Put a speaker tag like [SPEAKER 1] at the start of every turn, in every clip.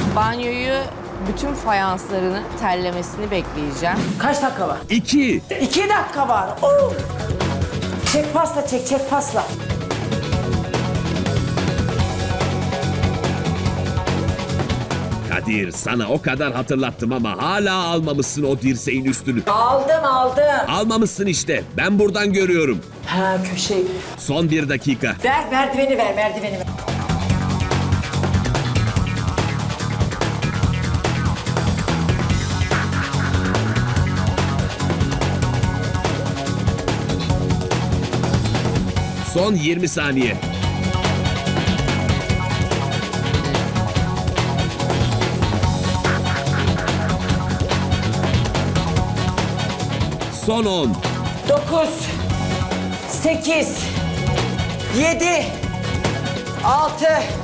[SPEAKER 1] Banyoyu bütün fayanslarını terlemesini bekleyeceğim.
[SPEAKER 2] Kaç dakika var?
[SPEAKER 3] 2.
[SPEAKER 2] 2 dakika var. Oo. Çek pasla çek, çek pasla.
[SPEAKER 3] Kadir, sana o kadar hatırlattım ama hala almamışsın o dirseğin üstünü.
[SPEAKER 2] Aldım.
[SPEAKER 3] Almamışsın işte. Ben buradan görüyorum.
[SPEAKER 2] Ha köşeyi.
[SPEAKER 3] Son 1 dakika.
[SPEAKER 2] Ver merdiveni ver, merdiveni ver.
[SPEAKER 3] Son 20 saniye. Son 10.
[SPEAKER 2] 9, 8, 7, 6,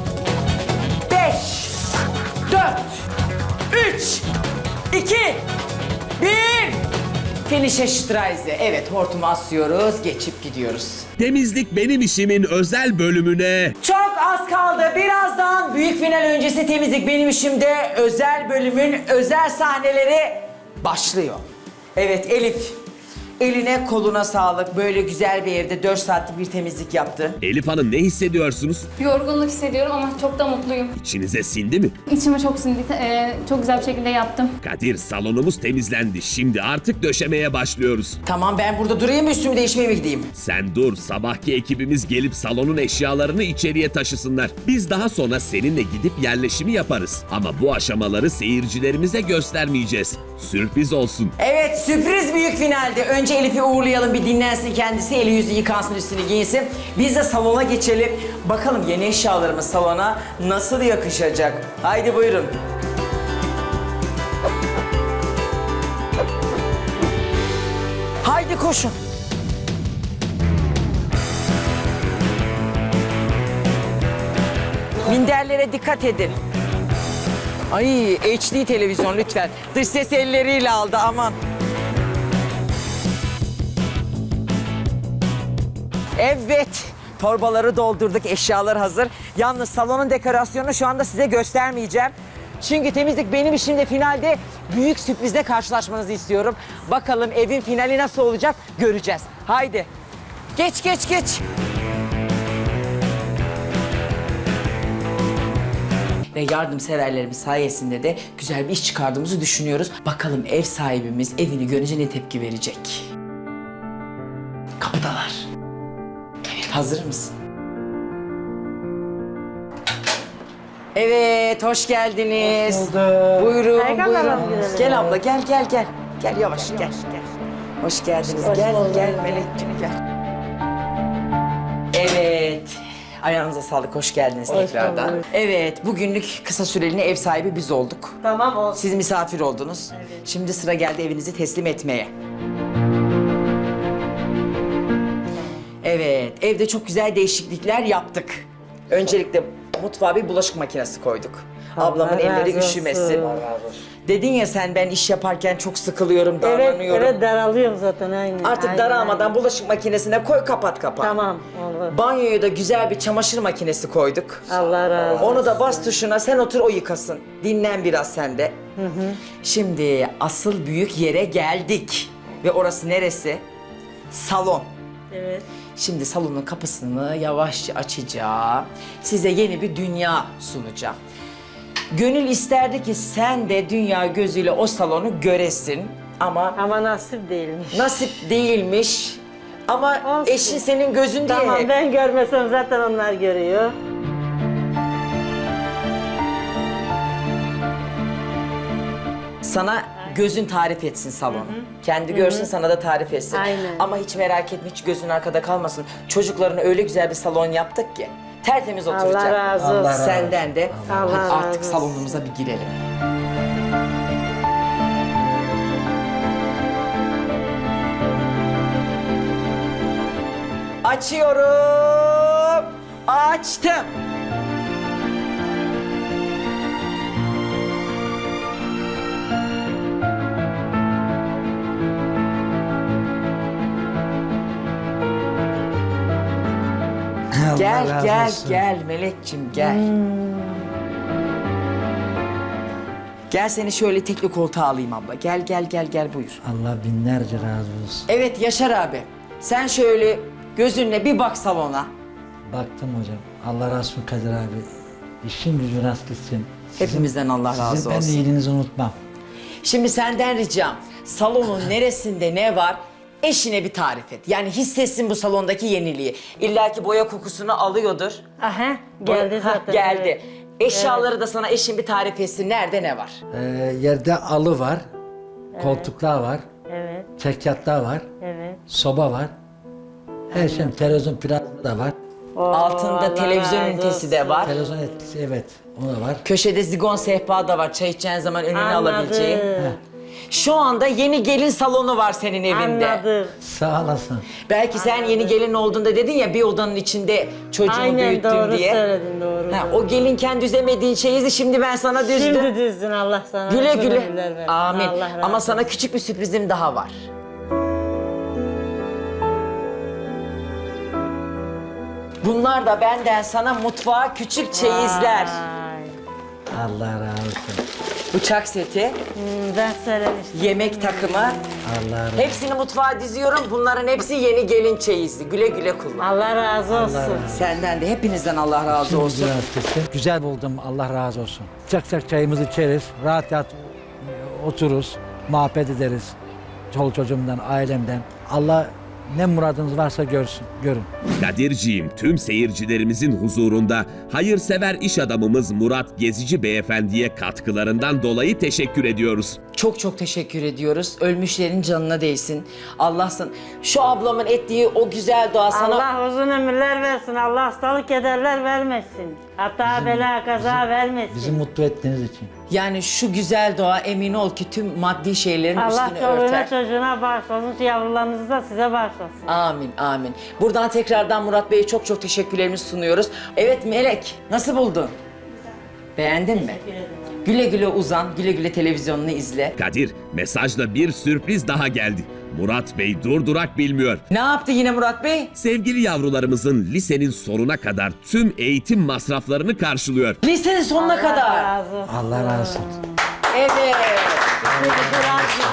[SPEAKER 2] 5, 4, 3, 2, 1. Finish'e Streise. Evet, hortumu asıyoruz, geçip gidiyoruz.
[SPEAKER 3] Temizlik benim işimin özel bölümüne
[SPEAKER 2] Çok az kaldı. Birazdan büyük final öncesi temizlik benim işimde özel bölümün özel sahneleri başlıyor. Evet Elif. Eline koluna sağlık. Böyle güzel bir evde 4 saatlik bir temizlik yaptı.
[SPEAKER 3] Elif Hanım, ne hissediyorsunuz?
[SPEAKER 4] Yorgunluk hissediyorum ama çok da mutluyum.
[SPEAKER 3] İçinize sindi mi?
[SPEAKER 4] İçime çok sindi. Çok güzel bir şekilde yaptım.
[SPEAKER 3] Kadir, salonumuz temizlendi. Şimdi artık döşemeye başlıyoruz.
[SPEAKER 2] Tamam ben burada durayım mı, üstümü değişmeye mi gideyim?
[SPEAKER 3] Sen dur, sabahki ekibimiz gelip salonun eşyalarını içeriye taşısınlar. Biz daha sonra seninle gidip yerleşimi yaparız. Ama bu aşamaları seyircilerimize göstermeyeceğiz. Sürpriz olsun.
[SPEAKER 2] Evet sürpriz büyük finalde. Önce Elif'i uğurlayalım, bir dinlensin kendisi, eli yüzü yıkansın, üstünü giyinsin. Biz de salona geçelim. Bakalım yeni eşyalarımız salona nasıl yakışacak? Haydi buyurun. Haydi koşun. Minderlere dikkat edin. Ay HD televizyon lütfen. Dış ses elleriyle aldı, aman. Evet, torbaları doldurduk, eşyalar hazır. Yalnız salonun dekorasyonunu şu anda size göstermeyeceğim. Çünkü temizlik benim işimde, finalde büyük sürprizle karşılaşmanızı istiyorum. Bakalım evin finali nasıl olacak göreceğiz. Haydi. Geç. Ve yardımseverlerimiz sayesinde de güzel bir iş çıkardığımızı düşünüyoruz. Bakalım ev sahibimiz evini görünce ne tepki verecek? Kapıdalar. Evet, hazır mısın? Evet, hoş geldiniz. Hoş bulduk. Buyurun. Gel abla, gel. Gel yavaş, gel. Hoş geldiniz. Gel Melekciğim gel. Evet. Ayağınıza sağlık, hoş geldiniz tekrardan. Evet, bugünlük kısa süreliğine ev sahibi biz olduk.
[SPEAKER 5] Tamam olsun.
[SPEAKER 2] Siz misafir oldunuz.
[SPEAKER 5] Evet.
[SPEAKER 2] Şimdi sıra geldi evinizi teslim etmeye. Evet, evde çok güzel değişiklikler yaptık. Öncelikle mutfağa bir bulaşık makinesi koyduk. Ablamın elleri üşümesin. Dedin ya sen, ben iş yaparken çok sıkılıyorum, darlanıyorum.
[SPEAKER 5] Evet daralıyorum zaten aynen.
[SPEAKER 2] Artık daralmadan bulaşık makinesine koy, kapat.
[SPEAKER 5] Tamam olur.
[SPEAKER 2] Banyoya da güzel bir çamaşır makinesi koyduk.
[SPEAKER 5] Allah razı olsun.
[SPEAKER 2] Onu da bas tuşuna, sen otur o yıkasın. Dinlen biraz sen de. Şimdi asıl büyük yere geldik. Ve orası neresi? Salon.
[SPEAKER 5] Evet.
[SPEAKER 2] Şimdi salonun kapısını yavaşça açacağım. Size yeni bir dünya sunacağım. Gönül isterdi ki sen de dünya gözüyle o salonu göresin. Ama
[SPEAKER 5] nasip değilmiş.
[SPEAKER 2] nasip değilmiş. Ama
[SPEAKER 5] Olsun.
[SPEAKER 2] eşin senin gözün diye
[SPEAKER 5] Tamam
[SPEAKER 2] hep.
[SPEAKER 5] ben görmesem zaten onlar görüyor.
[SPEAKER 2] Sana gözün tarif etsin salonu. Kendi görsün, sana da tarif etsin.
[SPEAKER 5] Aynen.
[SPEAKER 2] Ama hiç merak etme, hiç gözün arkada kalmasın. Çocuklarına öyle güzel bir salon yaptık ki tertemiz oturacak.
[SPEAKER 5] Allah razı olsun.
[SPEAKER 2] Senden de.
[SPEAKER 5] Allah
[SPEAKER 2] Hadi
[SPEAKER 5] razı
[SPEAKER 2] artık
[SPEAKER 5] olsun.
[SPEAKER 2] salonumuza bir girelim. Açıyorum. Açtım. Gel Melekçim gel. Gel seni şöyle tekli koltuğa alayım abla. Gel gel gel gel buyur.
[SPEAKER 6] Allah binlerce razı olsun.
[SPEAKER 2] Evet Yaşar abi. Sen şöyle gözünle bir bak salona.
[SPEAKER 6] Baktım hocam. Allah razı olsun Kadir abi. İşin gücün rast gitsin.
[SPEAKER 2] Hepimizden Allah razı
[SPEAKER 6] Sizin ben de
[SPEAKER 2] olsun.
[SPEAKER 6] iyiliğinizi unutmam.
[SPEAKER 2] Şimdi senden ricam salonun neresinde ne var eşine bir tarif et. Yani hissetsin bu salondaki yeniliği. İlla ki boya kokusunu alıyordur.
[SPEAKER 5] Aha, geldi
[SPEAKER 2] Ha,
[SPEAKER 5] zaten.
[SPEAKER 2] geldi.
[SPEAKER 5] Evet.
[SPEAKER 2] Eşyaları da sana eşin bir tarif etsin. Nerede ne var?
[SPEAKER 6] Yerde alı var. Koltuklar var.
[SPEAKER 5] Evet,
[SPEAKER 6] Çekyatlar var.
[SPEAKER 5] evet.
[SPEAKER 6] Soba var. Her şey televizyon plazma da var.
[SPEAKER 2] Altında
[SPEAKER 5] Allah
[SPEAKER 2] televizyon
[SPEAKER 5] razı
[SPEAKER 2] ünitesi de
[SPEAKER 5] olsun.
[SPEAKER 2] var.
[SPEAKER 6] Televizyon etkisi evet. O da var.
[SPEAKER 2] Köşede zigon sehpa da var. Çay içeceğin zaman önüne alabileceğin.
[SPEAKER 5] Anladım.
[SPEAKER 2] Şu anda yeni gelin salonu var senin evinde.
[SPEAKER 5] Anladım.
[SPEAKER 6] Sağ olasın.
[SPEAKER 2] Belki sen yeni gelin olduğunda dedin ya bir odanın içinde çocuğumu
[SPEAKER 5] Aynen
[SPEAKER 2] büyüttüm
[SPEAKER 5] doğru
[SPEAKER 2] diye.
[SPEAKER 5] söyledin, doğru.
[SPEAKER 2] Ha, o gelinken düzemediğin çeyizi şimdi ben sana düzdüm.
[SPEAKER 5] Şimdi düzdün, Allah sana.
[SPEAKER 2] Güle
[SPEAKER 5] uzun
[SPEAKER 2] güle.
[SPEAKER 5] ömürler versin.
[SPEAKER 2] Amin.
[SPEAKER 5] Allah razı
[SPEAKER 2] Ama
[SPEAKER 5] olsun.
[SPEAKER 2] sana küçük bir sürprizim daha var. Bunlar da benden sana mutfağa küçük çeyizler.
[SPEAKER 5] Ay.
[SPEAKER 6] Allah razı olsun.
[SPEAKER 2] Bıçak seti,
[SPEAKER 5] Ben söylemiştim.
[SPEAKER 2] yemek takımı.
[SPEAKER 6] Allah razı olsun.
[SPEAKER 2] Hepsini mutfağa diziyorum. Bunların hepsi yeni gelin çeyizli. Güle güle kullan.
[SPEAKER 5] Allah razı olsun.
[SPEAKER 6] razı olsun.
[SPEAKER 2] Senden de hepinizden Allah razı
[SPEAKER 6] Şimdi
[SPEAKER 2] olsun.
[SPEAKER 6] rast gitsin. Güzel buldum. Allah razı olsun. Çak çak çayımızı içeriz. Rahat rahat otururuz. Muhabbet ederiz. Çoluk çocuğumdan, ailemden. Allah ne muradınız varsa görün.
[SPEAKER 3] Kadirciğim tüm seyircilerimizin huzurunda hayırsever iş adamımız Murat Gezici Beyefendi'ye katkılarından dolayı teşekkür ediyoruz.
[SPEAKER 2] Çok çok teşekkür ediyoruz. Ölmüşlerin canına değsin. Allah'sın. Şu ablamın ettiği o güzel dua sana...
[SPEAKER 5] Allah uzun ömürler versin. Allah hastalık kederler vermesin. Hatta bela kaza vermesin.
[SPEAKER 6] Bizi mutlu ettiğiniz için.
[SPEAKER 2] Yani şu güzel dua emin ol ki tüm maddi şeylerin
[SPEAKER 5] Allah
[SPEAKER 2] üstünü
[SPEAKER 5] çoluğuna
[SPEAKER 2] örter.
[SPEAKER 5] çocuğuna bağışlasın. Yavrularınızı da size bağışlasın.
[SPEAKER 2] Amin, amin. Buradan tekrardan Murat Bey'e çok çok teşekkürlerimizi sunuyoruz. Evet Melek, nasıl buldun? Beğendin mi? Güle güle uzan, güle güle televizyonunu izle.
[SPEAKER 3] Kadir mesajla bir sürpriz daha geldi. Murat Bey durdurak bilmiyor.
[SPEAKER 2] Ne yaptı yine Murat Bey?
[SPEAKER 3] Sevgili yavrularımızın lisenin sonuna kadar tüm eğitim masraflarını karşılıyor.
[SPEAKER 2] Lisenin sonuna kadar.
[SPEAKER 5] Razı olsun.
[SPEAKER 6] Allah razı olsun.
[SPEAKER 2] Evet.
[SPEAKER 5] Razı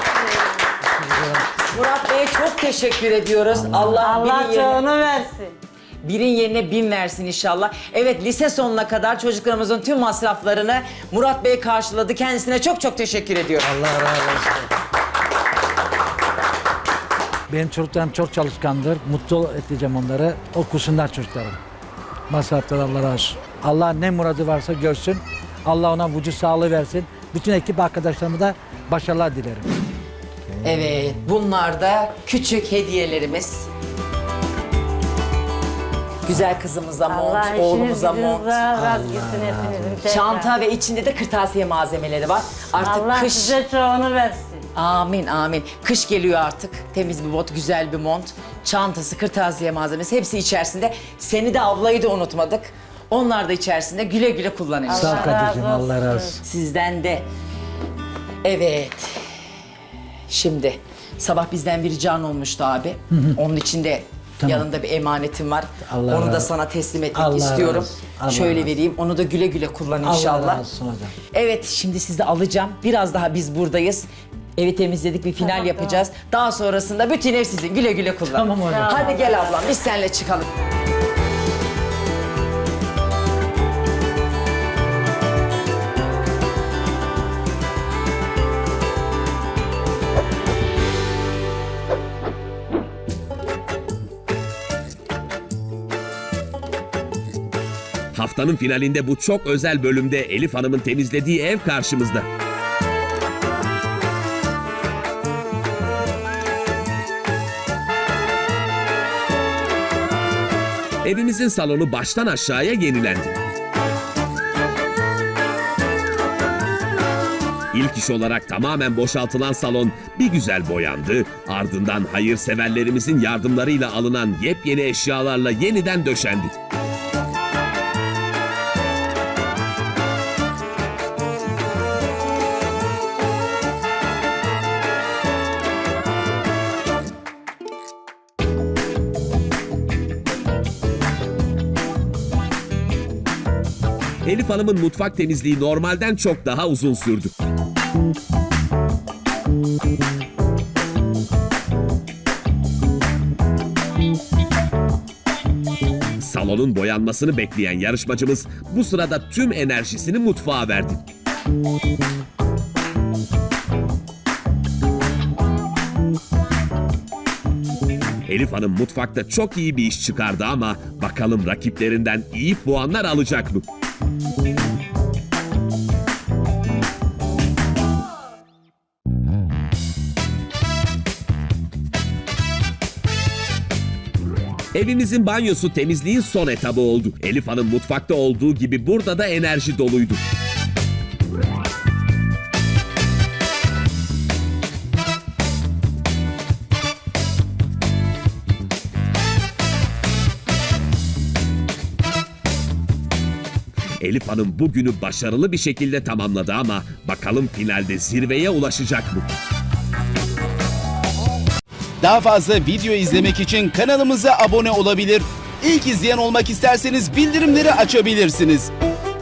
[SPEAKER 2] Murat Bey'e çok teşekkür ediyoruz. Allah,
[SPEAKER 5] Allah
[SPEAKER 2] birin yerine,
[SPEAKER 5] çoğunu versin.
[SPEAKER 2] birin yerine 1000 versin inşallah. Evet lise sonuna kadar çocuklarımızın tüm masraflarını Murat Bey karşıladı. Kendisine çok çok teşekkür ediyorum.
[SPEAKER 6] Allah razı olsun. Benim çocuklarım çok çalışkandır. Mutlu edeceğim onları. Okusunlar çocuklarım. Masraflar Allah razı olsun. Allah ne muradı varsa görsün. Allah ona vücut sağlığı versin. Bütün ekip arkadaşlarıma da başarılar dilerim.
[SPEAKER 2] Evet, bunlar da küçük hediyelerimiz. Güzel kızımıza mont,
[SPEAKER 5] Allah işiniz
[SPEAKER 2] oğlumuza
[SPEAKER 5] gücünüz
[SPEAKER 2] mont.
[SPEAKER 5] razı gitsin hepinizin. tekrar.
[SPEAKER 2] Çanta ve içinde de kırtasiye malzemeleri var. Artık
[SPEAKER 5] Allah
[SPEAKER 2] kış.
[SPEAKER 5] size çoğunu versin.
[SPEAKER 2] Amin amin. Kış geliyor artık. Temiz bir bot, güzel bir mont. Çantası, kırtasiye malzemesi hepsi içerisinde. Seni de ablayı da unutmadık. Onlar da içerisinde güle güle kullanın.
[SPEAKER 6] Sağ ol
[SPEAKER 5] Allah
[SPEAKER 6] Kadir'cim,
[SPEAKER 5] razı
[SPEAKER 6] Allah razı
[SPEAKER 5] olsun.
[SPEAKER 6] olsun.
[SPEAKER 2] Sizden de. Evet. Şimdi sabah bizden bir rican olmuştu abi. Onun için de
[SPEAKER 6] Tamam.
[SPEAKER 2] yanında bir emanetim var.
[SPEAKER 6] Allah
[SPEAKER 2] Onu da
[SPEAKER 6] razı-
[SPEAKER 2] sana teslim etmek
[SPEAKER 6] Allah
[SPEAKER 2] istiyorum.
[SPEAKER 6] razı- Allah
[SPEAKER 2] Şöyle
[SPEAKER 6] razı.
[SPEAKER 2] vereyim. Onu da güle güle kullan
[SPEAKER 6] Allah
[SPEAKER 2] inşallah.
[SPEAKER 6] razı olsun hocam.
[SPEAKER 2] Evet, şimdi sizi alacağım. Biraz daha biz buradayız. Evi temizledik, bir final yapacağız. Daha sonrasında bütün ev sizin. Güle güle kullan.
[SPEAKER 6] Tamam hocam.
[SPEAKER 2] Hadi gel ablam, biz seninle çıkalım.
[SPEAKER 3] Haftanın finalinde bu çok özel bölümde Elif Hanım'ın temizlediği ev karşımızda. Evimizin salonu baştan aşağıya yenilendi. İlk iş olarak tamamen boşaltılan salon bir güzel boyandı. Ardından hayırseverlerimizin yardımlarıyla alınan yepyeni eşyalarla yeniden döşendi. Elif Hanım'ın mutfak temizliği normalden çok daha uzun sürdü. Salonun boyanmasını bekleyen yarışmacımız bu sırada tüm enerjisini mutfağa verdi. Elif Hanım mutfakta çok iyi bir iş çıkardı ama bakalım rakiplerinden iyi puanlar alacak mı? Evimizin banyosu temizliğin son etabı oldu. Elif Hanım mutfakta olduğu gibi burada da enerji doluydu. Elif Hanım bugünü başarılı bir şekilde tamamladı ama bakalım finalde zirveye ulaşacak mı?
[SPEAKER 7] Daha fazla video izlemek için kanalımıza abone olabilir. İlk izleyen olmak isterseniz bildirimleri açabilirsiniz.